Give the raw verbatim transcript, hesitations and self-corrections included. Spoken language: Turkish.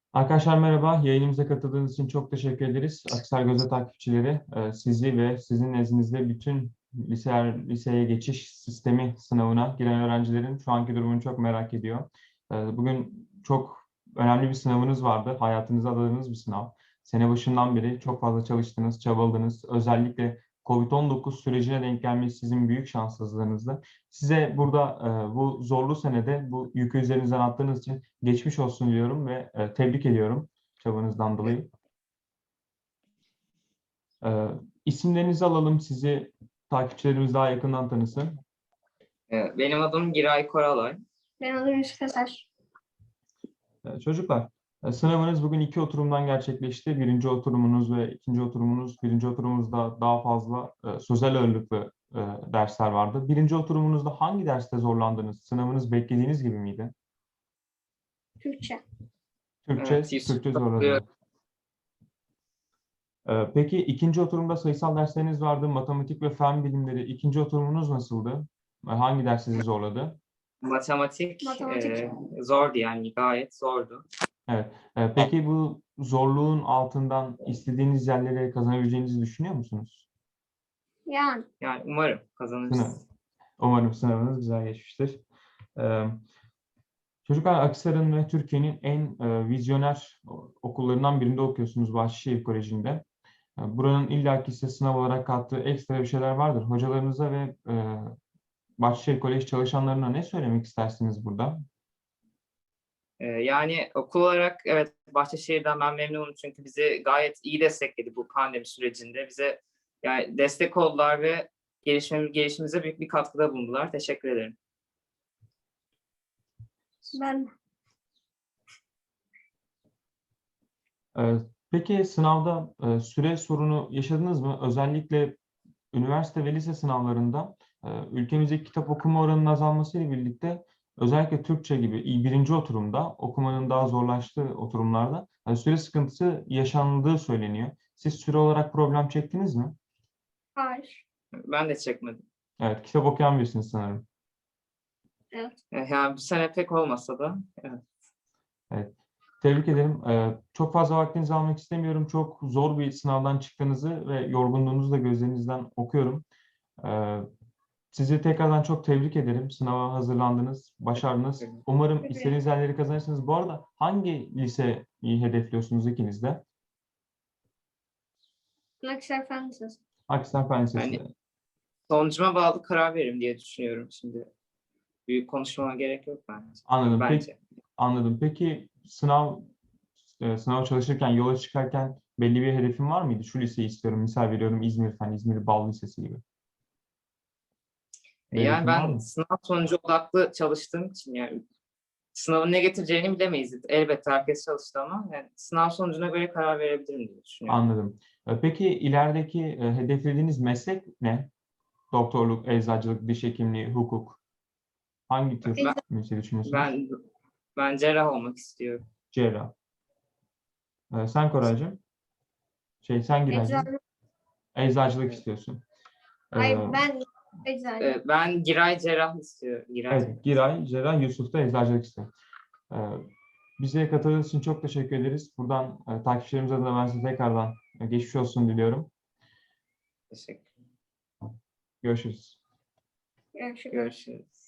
Arkadaşlar merhaba. Yayınımıza katıldığınız için çok teşekkür ederiz. Aksel Gözde takipçileri, e, sizi ve sizin nezdinizde bütün liseler, liseye geçiş sistemi sınavına giren öğrencilerin şu anki durumunu çok merak ediyor. E, Bugün çok önemli bir sınavınız vardı. Hayatınıza adadığınız bir sınav. Sene başından beri çok fazla çalıştınız, çabaladınız. Özellikle kovid on dokuz sürecine denk gelmesi sizin büyük şanssızlığınızdı. Size burada e, bu zorlu senede bu yükü üzerinizden attığınız için geçmiş olsun diliyorum ve e, tebrik ediyorum çabanızdan dolayı. E, isimlerinizi alalım, sizi takipçilerimiz daha yakından tanısın. Ee, Benim adım Giray Koralay. Benim adım Yusuf Eser. E, çocuklar, e, sınavınız bugün iki oturumdan gerçekleşti. Birinci oturumunuz ve ikinci oturumunuz. Birinci oturumunuzda daha fazla e, sözel ağırlıklı e, dersler vardı. Birinci oturumunuzda hangi derste zorlandınız? Sınavınız beklediğiniz gibi miydi? Türkçe. Türkçe, Evet, Yusuf Türkçe katılıyor. zorladınız. Ee, Peki ikinci oturumda sayısal dersleriniz vardı, matematik ve fen bilimleri. İkinci oturumunuz nasıldı? Ee, Hangi ders sizi zorladı? Matematik, Matematik. e, zordu yani gayet zordu. Evet. Ee, Peki bu zorluğun altından istediğiniz yerlere kazanabileceğinizi düşünüyor musunuz? Yani Yani umarım Sınav. kazanırız. Umarım sınavınız güzel geçmiştir. Ee, Çocuklar, Aksaray'ın ve Türkiye'nin en e, vizyoner okullarından birinde okuyorsunuz, Bahçeşehir Koleji'nde. E, Buranın illaki size sınav olarak kattığı ekstra bir şeyler vardır. Hocalarınıza ve e, Bahçeşehir Kolej çalışanlarına ne söylemek istersiniz burada? Ee, yani okul olarak evet Bahçeşehir'den ben memnunum çünkü bizi gayet iyi destekledi bu pandemi sürecinde. Bize yani destek oldular ve gelişmemiz, gelişimize büyük bir katkıda bulundular. Teşekkür ederim. ben Ee, Peki sınavda e, süre sorunu yaşadınız mı? Özellikle üniversite ve lise sınavlarında e, ülkemizdeki kitap okuma oranının azalmasıyla birlikte özellikle Türkçe gibi il- birinci oturumda okumanın daha zorlaştığı oturumlarda e, süre sıkıntısı yaşandığı söyleniyor. Siz süre olarak problem çektiniz mi? hayır. Ben de çekmedim. Evet, kitap okuyan birisiniz sanırım. Evet. Ee, Yani bu sene pek olmasa da evet. Evet. Tebrik ederim. Ee, çok fazla vaktinizi almak istemiyorum. Çok zor bir sınavdan çıktığınızı ve yorgunluğunuzu da gözlerinizden okuyorum. Ee, sizi tekrardan çok tebrik ederim. Sınava hazırlandınız, başardınız. Umarım Teşekkür istediğiniz yerleri kazanırsınız. Bu arada hangi liseyi hedefliyorsunuz ikiniz de? Aksaray Fen Lisesi. Akhisar Fen Lisesi. Yani sonucuma bağlı karar veririm diye düşünüyorum şimdi. Büyük konuşmama gerek yok bence. Anladım. Peki, Bence. anladım. Peki sınav e, sınava çalışırken, yola çıkarken belli bir hedefin var mıydı? Şu liseyi istiyorum. Misal veriyorum İzmir Fen, İzmir Bal Lisesi gibi. Bir Yani hedefin var ben mı? sınav sonucu odaklı çalıştığım için yani sınavın ne getireceğini bilemeyiz. Elbette herkes çalıştı ama yani sınav sonucuna göre karar verebilirim diye düşünüyorum. Anladım. E, Peki ilerideki e, hedeflediğiniz meslek ne? Doktorluk, eczacılık, diş hekimliği, hukuk. Hangi tür Ben, mesleği düşünüyorsunuz? ben, ben cerrah olmak istiyorum. Cerrah. E, sen Koraycığım? Şey, sen Giraycığım? Eczacı. Eczacılık Evet. istiyorsun. E, Hayır ben eczacı. Ee, Ben Giray cerrah istiyorum. Giray cerrah. evet, Giray, cerrah, Yusuf da eczacılık istiyor. E, bize katıldığınız için çok teşekkür ederiz. Buradan e, takipçilerimiz adına ben size tekrardan e, geçmiş olsun diliyorum. Teşekkür. Görüşürüz. Görüşürüz. Görüşürüz.